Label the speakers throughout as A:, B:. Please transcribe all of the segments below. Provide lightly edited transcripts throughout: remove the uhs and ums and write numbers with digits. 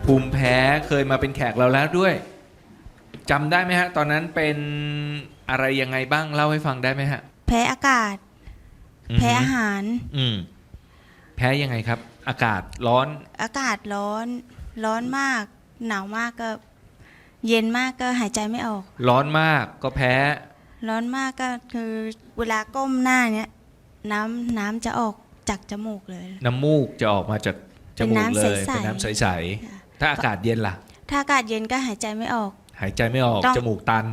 A: ภูมิแพ้เคยมาเป็นแขกเราแล้วด้วยจำได้ไหมฮะตอนนั้นเป็นอะไรยังไงบ้างเล่าให้ฟังได้ไหมฮะ
B: แพ้อากาศแพ้อาหาร
A: แพ้ยังไงครับอากาศร้อน
B: อากาศร้อนมากหนาวมากก็เย็นมากก็หายใจไม่ออก
A: ร้อนมากก็แพ้
B: ร้อนมากก็คือเวลาก้มหน้าเนี้ยน้ำจะออกจากจมูกเลย
A: น้ำมูกจะออกมาจากจมูกเลยเป็นน้ำใสๆถ้าอากาศเย็นล่ะ
B: ถ้าอากาศเย็นก็หายใจไม่ออก
A: หายใจไม่ออกจมูกตัน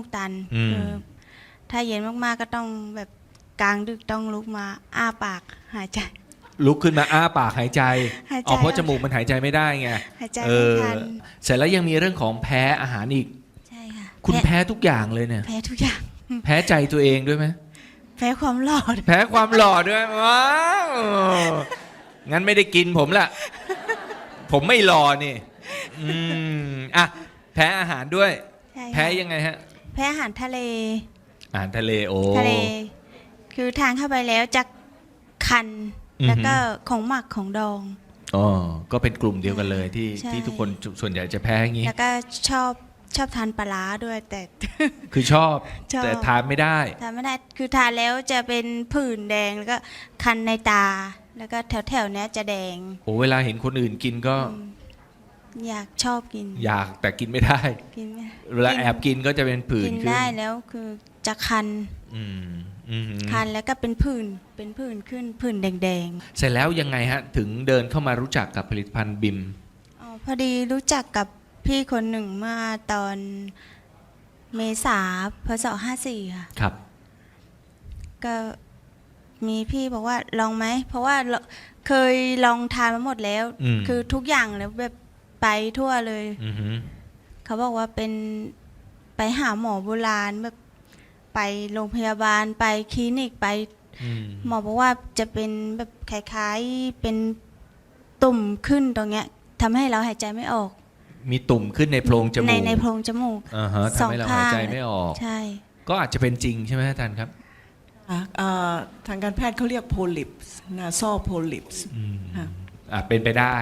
B: ถ้าเย็นมากๆก็ต้องแบบกลางดึกต้องลุกมาอ้าปากหายใจ
A: ลุกขึ้นมาอ้าปากหายใจเพราะจมูกมันหายใจไม่ได้ไง
B: หายใจไม่ทัน
A: เสร็จแล้วยังมีเรื่องของแพ้อาหารอีก
B: ใช่ค่ะ
A: คุณแพ้ทุกอย่างเลยเนี่ย
B: แพ้ทุกอย่าง
A: แพ้ใจตัวเองด้วยไหม
B: แพ้ความหล่อ
A: แพ้ความหล่อด้วยว้าวงั้นไม่ได้กินผมละผมไม่หล่อนี่อ่ะแพ้อาหารด้วยแพ้ยังไงฮะ
B: แพ้อาหารทะเล
A: โอ้
B: ทะเลคือทานเข้าไปแล้วจะคันแล้วก็ของหมักของดอง
A: อ๋อก็เป็นกลุ่มเดียวกันเลยที่ทุกคนส่วนใหญ่จะแพ้อย่างนี้
B: แล้วก็ชอบทานปลาร้าด้วยแต่
A: คือชอบแต่ทานไม่ได้
B: คือทานแล้วจะเป็นผื่นแดงแล้วก็คันในตาแล้วก็แถวๆนี้จะแดง
A: โอ้เวลาเห็นคนอื่นกินก็
B: ชอบกิน
A: อยากแต่กินไม่ได้เวลาแอบกินก็จะเป็นผื่น
B: กินได้แล้วคือจะคันคันแล้วก็เป็นผื่นขึ้นผื่นแดง
A: ๆเสร็จแล้วยังไงฮะถึงเดินเข้ามารู้จักกับผลิตภัณฑ์บิม
B: พอดีรู้จักกับพี่คนหนึ่งเมื่อตอนเมษาพศ54ค่ะ
A: ครับ
B: ก็มีพี่บอกว่าลองไหมเพราะว่าเคยลองทานมาหมดแล้วคือทุกอย่างแล้วแบบไปทั่วเลยเขาบอกว่าเป็นไปหาหมอโบราณแบบไปโรงพยาบาลไปคลินิกไปหมอบอกว่าจะเป็นแบบคล้ายๆเป็นตุ่มขึ้นตรงเนี้ยทำให้เราหายใจไม่ออก
A: มีตุ่มขึ้นในโพรงจมูก
B: ในโพรงจมูก
A: ทำให้เราหายใจไม่ออก
B: ใช่
A: ก็อาจจะเป็นจริงใช่ไหมอาจารย์ครับ
C: ทางการแพทย์เขาเรียกโพลิปส์นาซอลโพลิปส์
A: เป็นไปได้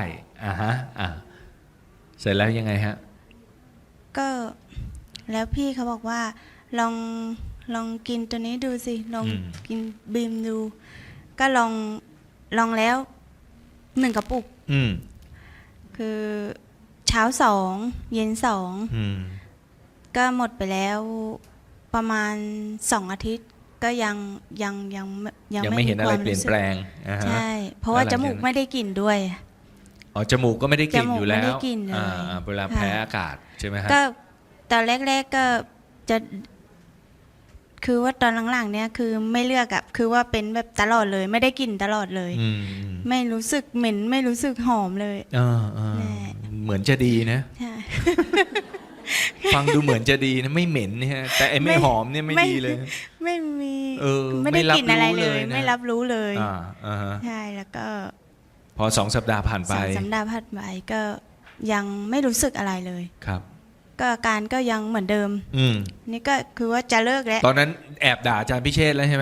A: เสร็จแล้วยังไงฮะ
B: ก็แล้วพี่เขาบอกว่าลองกินตัวนี้ดูสิลองกินบีมดูก็ลองแล้ว1 กระปุกคือเช้า2เย็น2ก็หมดไปแล้วประมาณ2 อาทิตย์ก็ยัง
A: ไม่เห็นอะไรเปลี่ยนแปลง
B: ใช่เพราะว่าจมูกไม่ได้กลิ่นด้วย
A: จมูกก็ไม่ได้กลิ่นอยู่แล้วเวลาแพ้อากาศใช่ไหมฮะ
B: ก็ตอนแรกๆก็จะคือว่าตอนหลังๆเนี่ยคือไม่เลือกอะคือว่าเป็นแบบตลอดเลยไม่ได้กลิ่นตลอดเลยไม่รู้สึกเหม็นไม่รู้สึกหอมเลย
A: เหมือนจะดีนะฟังดูเหมือนจะดีนะไม่เหม็นเนี่ยแต่ไอ้ไม่หอมเนี่ยไม่ดีเลย
B: ไม่มีไม่ได้กลิ่นอะไรเลยไม่รับรู้เลยใช่แล้วก็
A: พอ2 สัปดาห์ผ่านไป
B: 2 สัปดาห์ผ่านไปก็ยังไม่รู้สึกอะไรเลย
A: ครับ
B: ก็อาการก็ยังเหมือนเดิมนี่ก็คือว่าจะเลิกแล้ว
A: ตอนนั้นแอบด่าอาจารย์พิเชษแล้วใช่ไหม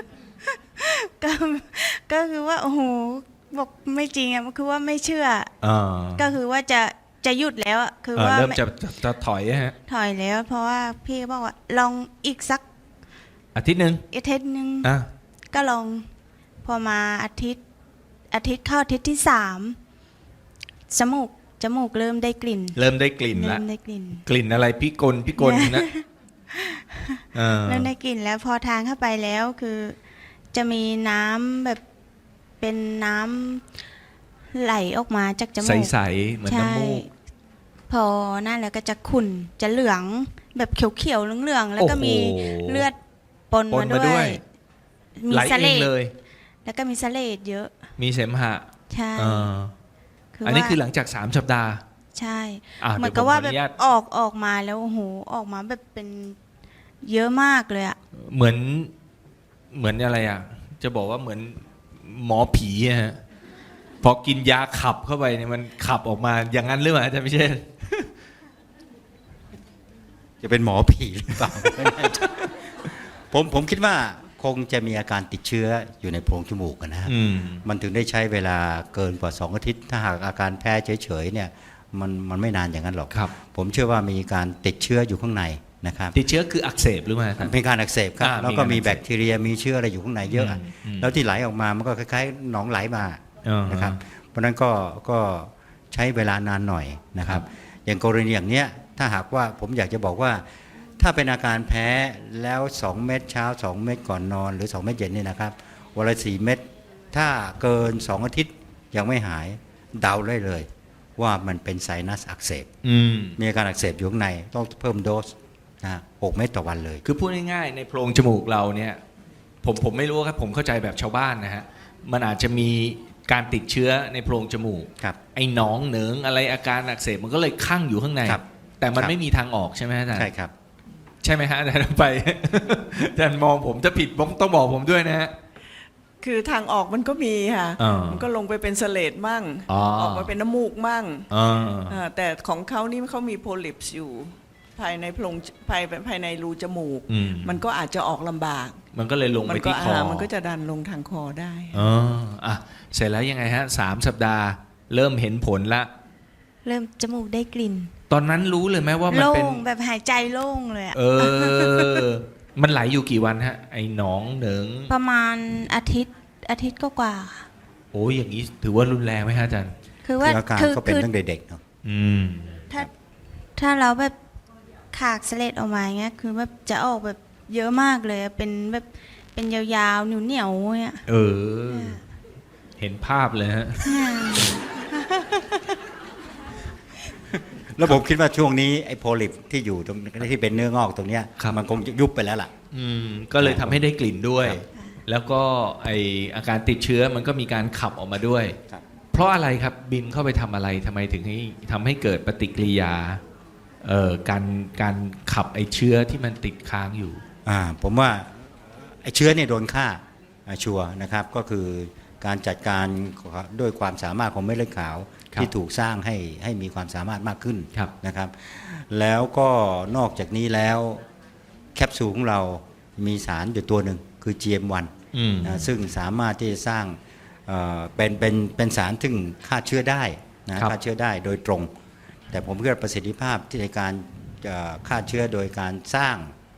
B: ก็คือว่าโอ้โหบอกไม่จริงอ่ะคือว่าไม่เชื่อก็คือว่าจะหยุดแล้วคือว่า
A: เริ่มจะถอยฮะ
B: ถอยแล้วเพราะว่าพี่บอกว่าลองอีกสัก
A: อาทิตย์นึง
B: ก็ลองพอมาอาทิตย์เข้าอาทิตย์ที่3จมูกเริ่มได้กลิ่น
A: แล้วกลิ่นอะไรพี่กลนะ
B: เริ่มได้กลิ่นแล้วพอทานเข้าไปแล้วคือจะมีน้ำแบบเป็นน้ำไหลออกมาจากจมูก
A: ใสๆเหมือนน้ำมูก
B: พอนั่นแล้วก็จะขุ่นจะเหลืองแบบเขียวๆเหลืองๆแล้วก็มีเลือดปนมาด้วย
A: มีเสลดเลย
B: แล้วก็มีเสลดเยอะ
A: มีเสมหะ
B: ใช่
A: อันนี้คือหลังจาก3 สัปดาห์
B: ใช่เหมือนกับว่าแบบออกมาแล้วโอ้โหออกมาแบบเป็นเยอะมากเลยอะ
A: เหมือนอะไรอะจะบอกว่าเหมือนหมอผีฮะพอกินยาขับเข้าไปเนี่ยมันขับออกมาอย่างนั้นหรือเปล่าอาจารย์พิเชษ
D: จะเป็นหมอผีหรือเปล่า ผมคิดว่าคงจะมีอาการติดเชื้ออยู่ในโพรงจมูกนะฮะมันถึงได้ใช้เวลาเกินกว่า2 อาทิตย์ถ้าหากอาการแพ้เฉยๆเนี่ยมันไม่นานอย่างนั้นหรอก
A: ครับ
D: ผมเชื่อว่ามีการติดเชื้ออยู่ข้างในนะครับ
A: ติดเชื้อคืออักเสบหรือเปล่าอาจารย์
D: เป็นการอักเสบครับ แล้วก็มี
A: มีการอักเสบ
D: แบคทีเรียมีเชื้ออะไรอยู่ข้างในเยอะ แล้วที่ไหลออกมามันก็คล้ายๆหนองไหลมา นะครับ เพราะฉะนั้นก็ใช้เวลานานหน่อยนะครับ อย่างกรณีอย่างเนี้ยถ้าหากว่าผมอยากจะบอกว่าถ้าเป็นอาการแพ้แล้ว 2 เม็ดเช้า 2 เม็ดก่อนนอนหรือ 2 เม็ดเย็นเนี่ยนะครับวันละ4 เม็ดถ้าเกิน 2 อาทิตย์ยังไม่หายเดาได้เลยว่ามันเป็นไซนัสอักเสบ มีอาการอักเสบอยู่ข้างในต้องเพิ่มโดสนะ6 เม็ดต่อวันเลย
A: คือพูดง่ายๆในโพรงจมูกเราเนี่ยผมไม่รู้ครับผมเข้าใจแบบชาวบ้านนะฮะมันอาจจะมีการติดเชื้อในโพรงจมูก
D: ครับ
A: ไอ้หนองเหนิงอะไรอาการอักเสบมันก็เลยคั่งอยู่ข้างใน
D: ครับ
A: แต่มัน
D: ครับ
A: ไม่มีทางออกใช่ไหมอาจารย์
D: ใช่ครับ
A: ใช่ไหมฮะอาจารย์ไป อาจารย์มองผมจะผิดต้องบอกผมด้วยนะฮะ
C: คือทางออกมันก็มีค่ะ
A: อ่ามั
C: มันก็ลงไปเป็นเสลดมั่ง
A: อ๋อ
C: ออกมาเป็นน้ำมูกมั่ง
A: อ่า
C: แต่ของเขานี่เขามีโพลิปส์อยู่ ภายในโพรงภายในรูจมูก มันก็อาจจะออกลำบาก
A: มันก็เลยลง
C: มั
A: ไป
C: ก็
A: ที่คอ
C: มันก็จะดันลงทางคอได้
A: อ๋ออ่ะเสร็จแล้วยังไงฮะ3 สัปดาห์เริ่มเห็นผลละ
B: เริ่มจมูกได้กลิ่น
A: ตอนนั้นรู้เลยไหมว่ามัน
B: โล่
A: เป็น
B: งแบบหายใจโล่งเลยอะ
A: มันไหลอยู่กี่วันฮะ ไอ้หนองเหนิง
B: ประมาณอาทิตย์ก็กว่าๆค่ะ
A: โอ้ยอย่างนี้ถือว่ารุนแรงไหมฮะอาจารย์
B: คือว่า
D: คืออาการก็เป็นตั้งแต่เด็กเนาะ
A: อืม
B: ถ้าเราแบบขากเสลดออกมาอย่างเงี้ยคือแบบจะออกแบบเยอะมากเลยอะเป็นแบบเป็นยาวๆเหนียวๆเนี่ย
A: เห็นภาพเลยฮะ
D: แล้วผมคิดว่าช่วงนี้ไอ้โพลิปที่อยู่ตรงที่เป็นเนื้องอกตรงเนี้ย
A: ครับ
D: มันคงจะยุบไปแล้วล่ะ
A: ก็เลยทำให้ได้กลิ่นด้วย
D: ครับ
A: แล้วก็ไออาการติดเชื้อมันก็มีการขับออกมาด้วย
D: ครับ
A: เพราะอะไรครับบิมเข้าไปทำอะไรทำไมถึงให้ทำให้เกิดปฏิกิริยาการขับไอเชื้อที่มันติดค้างอยู่
D: ผมว่าไอ้เชื้อเนี่ยโดนฆ่าชัวร์นะครับก็คือการจัดการด้วยความสามารถของเม็ดเลือดขาว
A: ครับ
D: ที่ถูกสร้างให้มีความสามารถมากขึ้น
A: ครับ
D: นะครับ แล้วก็นอกจากนี้แล้วแคปซูลของเรามีสารอยู่ตัวหนึ่งคือ GM1 นะซึ่งสามารถที่จะสร้างเป็นสารซึ่งฆ่าเชื้อได้นะครับ ฆ่าเชื้อได้โดยตรง แต่ผมคิดว่าประสิทธิภาพที่ในการฆ่าเชื้อโดยการสร้าง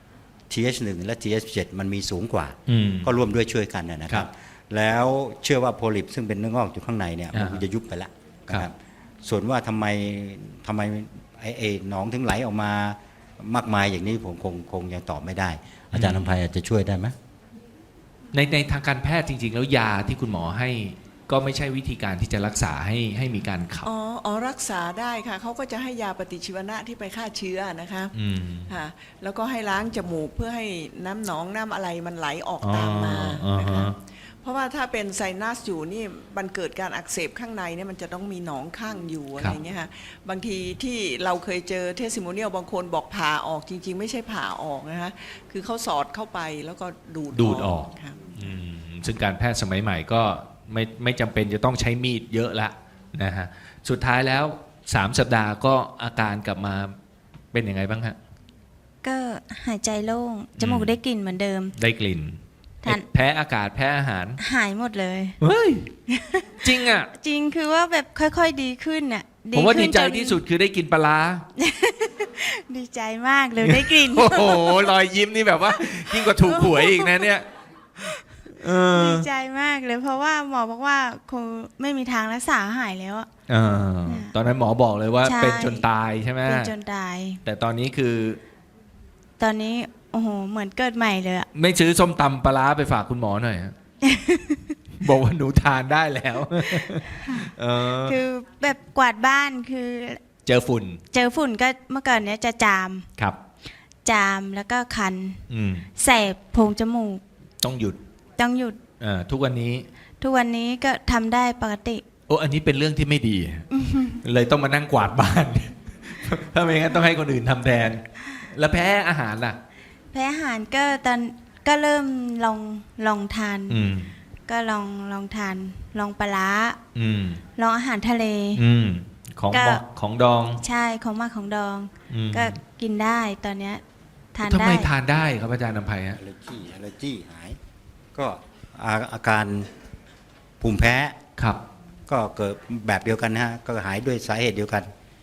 D: TH1 และ TH7 มันมีสูงกว่า ก็ร่วมด้วยช่วยกันนะค
A: ครั
D: รับ
A: บ
D: แล้วเชื่อว่าโพลิปซึ่งเป็นเนื้องอกอยู่ข้างในเนี่ยมัน
A: อ่า
D: จะยุบไปแล้วนะค
A: ครั
D: รับบ ส่วนว่าทำไมไอ้หนองถึงไหลออกมามากมายอย่างนี้ผมคงยังตอบไม่ได้ อาจารย์นภัยอาจจะช่วยได้ไหม
A: ในทางการแพทย์จริง ๆ แล้วยาที่คุณหมอให้ก็ไม่ใช่วิธีการที่จะรักษาให้มีการขับ
C: อ๋อรักษาได้ค่ะเขาก็จะให้ยาปฏิชีวนะที่ไปฆ่าเชื้อนะคะ ค่ะแล้วก็ให้ล้างจมูกเพื่อให้น้ำหนองน้ำอะไรมันไหลออกตามมา
A: อ๋อ
C: นะคะเพราะว่าถ้าเป็นไซนัสอยู่นี่มันเกิดการอักเสบข้างในเนี่ยมันจะต้องมีหนองข้างอยู่อะไรอย่างเงี้ยค่ะบางทีที่เราเคยเจอเทสติโมเนียลบางคนบอกผ่าออกจริง ๆ ไม่ใช่ผ่าออกนะคะคือเขาสอดเข้าไปแล้วก็ดูดออกค่ะ
A: ซึ่งการแพทย์สมัยใหม่ก็ไม่จำเป็นจะต้องใช้มีดเยอะละนะฮะสุดท้ายแล้ว3 สัปดาห์ก็อาการกลับมาเป็นยังไงบ้างฮะ
B: ก็หายใจโล่งจมูกได้กลิ่นเหมือนเดิม
A: ได้กลิ่น
B: ทาน
A: แพ้อากาศแพ้อาหาร
B: หายหมดเลย
A: เฮ้ย จริงอ่ะ
B: จริงคือว่าแบบค่อยๆดีขึ้นน่ะ
A: ผมว่าดีใจ
B: ขึ้นน
A: ที่สุดคือได้กินปลาร้า
B: ดีใจมากเลยได้กลิ่น
A: โอ้โหรอยยิ้มนี่แบบว่ายิ่งกว่าถูกหวยอีกนะเนี่ย
B: ดีใจมากเลยเพราะว่าหมอบอกว่าคงไม่มีทางรักษาหายแล้วอะ
A: ตอนนั้นหมอบอกเลยว่า
B: ใช่
A: เป็นจนตายใช่ไหม
B: เป็นจนตาย
A: แต่ตอนนี้คือ
B: ตอนนี้โอ้โหเหมือนเกิดใหม่เลยอะ
A: ไม่ซื้อส้มตำปลาร้าไปฝากคุณหมอหน่อยฮะ บอกว่าหนูทานได้แล้ว
B: คือแบบกวาดบ้านคือ
A: เจอฝุ่น
B: เจอฝุ่นก็เมื่อก่อนเนี้ยจะจาม
A: ครับ
B: แล้วก็คัน
A: อืม
B: แสบโพรงจมูก
A: ต้องหยุด
B: ต้องหยุด
A: ทุกวันนี้
B: ทุกวันนี้ก็ทำได้ปกติ
A: โอ้อันนี้เป็นเรื่องที่ไม่ดี เลยต้องมานั่งกวาดบ้าน ถ้าไม่งั้นต้องให้คนอื่นทำแทน แล้วแพ้อาหารล่ะ
B: แพ้อาหารก็ตอนก็เริ่มลองทาน ก็ลองทานลองปลาร้าลองอาหารทะเล
A: ของ
B: ก็
A: ของดอง
B: ใช่ของมากของดอง ก็กินได้ตอนเนี้ยทาน
A: ทำ
B: ได้
A: ไมทานได้ครับอาจารย์นำไพฮะ
D: อ l ลเลอร์จีหายก็อาการภูมิแพ้
A: ครับ
D: ก็เกิดแบบเดียวกันนะฮะก็หายด้วยสาเหตุเดียวกัน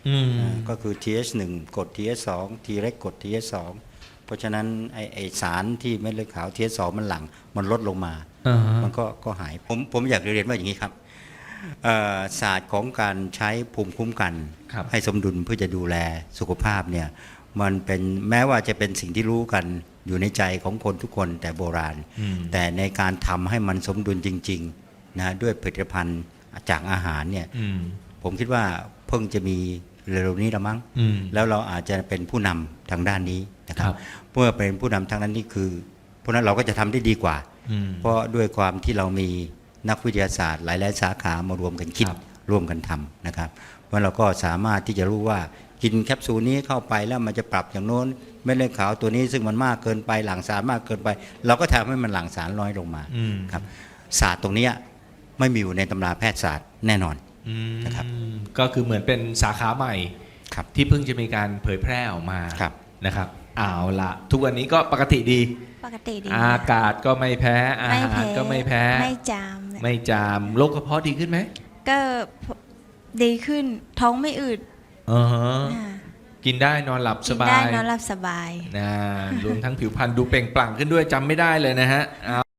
A: อืม
D: ก็คือ TH1 กด TH2 T เล็กกด TH2 เพราะฉะนั้นไอสารที่เม็ดเลือดขาว TH2 มันหลั่งมันลดลงมา
A: อ่าฮะ
D: มันก็หายผมอยากเรียนว่าอย่างนี้ครับศาสตร์ของการใช้ภูมิคุ้มกัน
A: ครับ
D: ให้สมดุลเพื่อจะดูแลสุขภาพเนี่ยมันเป็นแม้ว่าจะเป็นสิ่งที่รู้กันอยู่ในใจของคนทุกคนแต่โบราณ
A: อืม
D: แต่ในการทำให้มันสมดุลจริงๆนะด้วยผลิตภัณฑ์จากอาหารเนี่ย
A: อืม
D: ผมคิดว่าเพิ่งจะมีเร็วๆนี้ละมั้ง
A: อืม
D: แล้วเราอาจจะเป็นผู้นำทางด้านนี้นะค
A: ค
D: รั
A: รั
D: บบ เมื่อเป็นผู้นำทางนั้นนี่คือเพราะฉะนั้นเราก็จะทำได้ดีกว่า
A: อืม
D: เพราะด้วยความที่เรามีนักวิทยาศาสตร์หลายๆสาขามารวมกันคิด
A: ครับ
D: ร่วมกันทำนะครับเพราะเราก็สามารถที่จะรู้ว่ากินแคปซูลนี้เข้าไปแล้วมันจะปรับอย่างโน้นเม็ดเลือดขาวตัวนี้ซึ่งมันมากเกินไปหลั่งสารมากเกินไป เราก็ทำให้มันหลั่งสารน้อยลงมา
A: อืม
D: ครับศาสตร์ตรงเนี้ยไม่มีอยู่ในตำราแพทยศาสตร์แน่นอน
A: อืม
D: นะครับ
A: ก็คือเหมือนเป็นสาขาใหม่
D: ครับ
A: ที่เพิ่งจะมีการเผยแพร่ออกมา
D: ครับ
A: นะครับเอาละทุกวันนี้ก็ปกติดี
B: ปกติดี
A: อากาศก็ไม่แพ้ อาหารก็ไม่แพ้
B: ไม่จามเลย
A: ไม่จามโรคกระเพาะดีขึ้นไหม
B: ก็ดีขึ้นท้องไม่อืด
A: อ่าฮะ
B: อ่า
A: กินได้นอนหลับส
B: กิน
A: บา
B: ได้
A: ย
B: นอนหลับสบาย
A: นะรวมทั้งผิวพรรณดูเปล่งปลั่งขึ้นด้วยจำไม่ได้เลยนะฮะ